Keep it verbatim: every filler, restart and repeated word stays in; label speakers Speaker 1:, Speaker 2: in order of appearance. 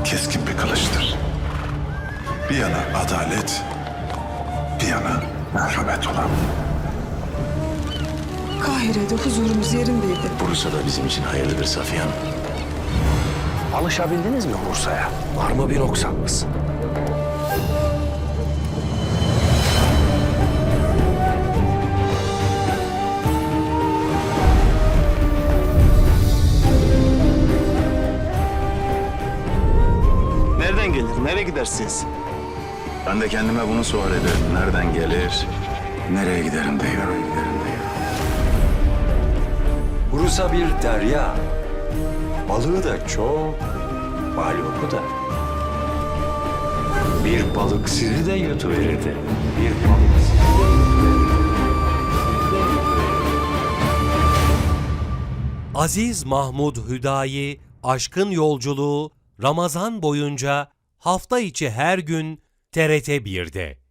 Speaker 1: keskin bir kılıçtır. Bir yana adalet, bir yana merhamet olan.
Speaker 2: Kahire'de huzurumuz yerindeydi.
Speaker 3: Bursa da bizim için hayırlıdır Safiye Hanım.
Speaker 4: Alışabildiniz mi Bursa'ya? Var mı bir noksanınız?
Speaker 5: Nereden gelir, nereye gidersiniz?
Speaker 3: Ben de kendime bunu sual ederim. Nereden gelir, nereye giderim diyorum.
Speaker 4: Bursa bir derya. Balığı da çok, balyoku da. Bir balık sizi de yutuverirdi. Bir balık sizi de yutuverirdi.
Speaker 6: Aziz Mahmud Hüdayi Aşkın Yolculuğu Ramazan boyunca hafta içi her gün T R T bir'de.